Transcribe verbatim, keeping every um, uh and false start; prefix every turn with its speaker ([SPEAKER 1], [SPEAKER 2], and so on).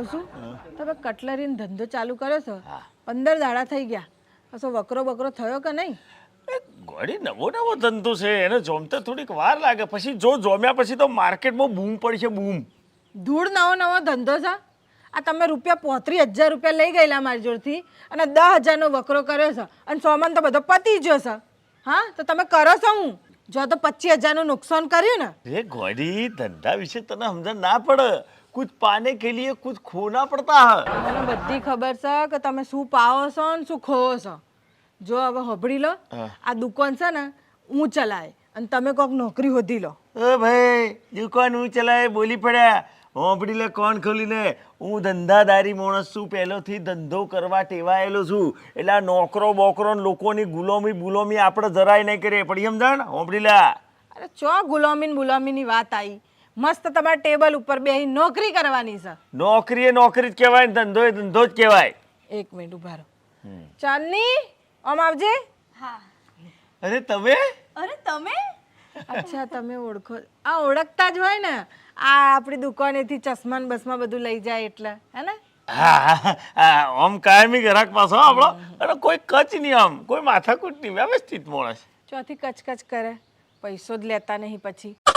[SPEAKER 1] કહું છું તમે કટલરીનો ધંધો ચાલુ કર્યો છો પંદર દાડા થઈ ગયા કશો વકરો બકરો થયો કે નહીં?
[SPEAKER 2] ગોડી નવો નવો ધંધો છે એને જોમતે થોડીક વાર લાગે પછી જો જોમ્યા પછી તો માર્કેટમાં બૂમ પડશે બૂમ.
[SPEAKER 1] ધૂળ નવો નવો ધંધો છે આ તમે રૂપિયા પોત્રીસ હજાર રૂપિયા લઈ ગયેલા મારી જોડથી અને દસ હજારનો વકરો કર્યો છે અને સોમાન તો બધો પતી ગયો છે. હા તો તમે કરો છો હું જો તો પચીસ હજારનું નુકસાન કર્યું ને.
[SPEAKER 2] એ ગોડી ધંધા વિશે તને સમજણ ના પડે કુછ પાને કે લીએ કુછ ખોના પડતા હે.
[SPEAKER 1] મને બધી ખબર છે કે તમે શું પાવો છો ને શું ખોવો છો. જો હવે હબડી લો આ દુકાન છે ને હું ચલાય અને તમે કોઈક નોકરી હોધી લો.
[SPEAKER 2] એ ભાઈ દુકાન હું ચલાય બોલી પડ્યા હોંભડી લે કોણ ખોલીને હું ધંધાદારી માણસ છું પહેલોથી ધંધો કરવા ટેવાયેલો છું એટલે આ નોકરો બોકરો ને લોકોની ગુલામી ગુલામી આપણે જરાય નહીં કરીએ પડી સમજાણ હોંભડી લે.
[SPEAKER 1] અરે ચો ગુલામીન ગુલામીની વાત આવી મસ્ત તમારા ટેબલ ઉપર બેસી નોકરી કરવાની છે.
[SPEAKER 2] નોકરી એ નોકરી જ કહેવાય ને ધંધો એ ધંધો જ કહેવાય.
[SPEAKER 1] એક મિનિટ ઉભા રહો. ચાંદની આમ આવજે.
[SPEAKER 3] હા.
[SPEAKER 2] અરે તમે
[SPEAKER 3] અરે તમે
[SPEAKER 1] અચ્છા તમે ઓળખો આ ઓળખતા જ હોય ને આ આપણી દુકાનેથી ચશ્માન બસમાં બધું લઈ જાય એટલે હે ને.
[SPEAKER 2] હા આમ કાયમી ગ્રાહક પાછો આપણો અને કોઈ કચ નહીં આમ કોઈ માથાકૂટ નહીં વ્યવસ્થિત માણસ.
[SPEAKER 1] ચોથી કચકચ કરે પૈસો જ લેતા નહીં પછી